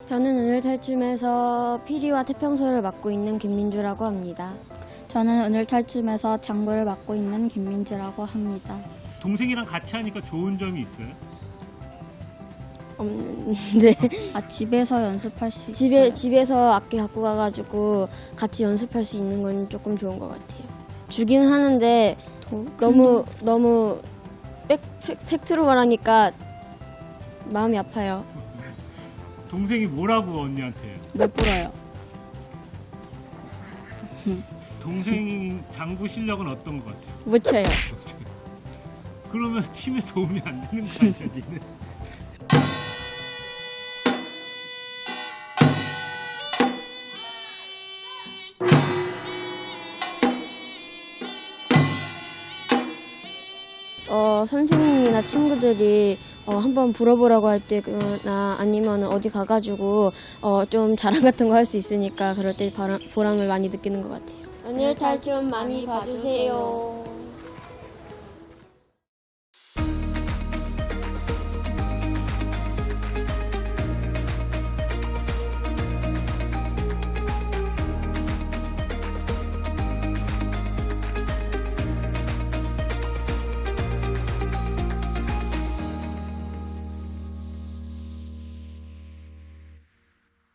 저는 은율탈춤에서 피리와 태평소를 맡고 있는 김민주라고 합니다. 저는 은율탈춤에서 장구를 맡고 있는 김민지라고 합니다. 동생이랑 같이 하니까 좋은 점이 있어요? 없는데 집에서 연습할 수 있어요. 집에서 악기 갖고 가가지고 같이 연습할 수 있는 건 조금 좋은 것 같아요. 주긴 하는데 너무 팩트로 말하니까 마음이 아파요. 동생이 뭐라고 언니한테? 못 불어요. 동생 장구 실력은 어떤 것 같아요? 못 쳐요. 그러면 팀에 도움이 안 되는 거 아니야, 니는? 선생님이나 친구들이 한번 불어보라고 할 때나 아니면 어디 가가지고 좀 자랑 같은 거 할 수 있으니까 그럴 때 보람을 많이 느끼는 것 같아요. 은율탈춤 많이 봐주세요.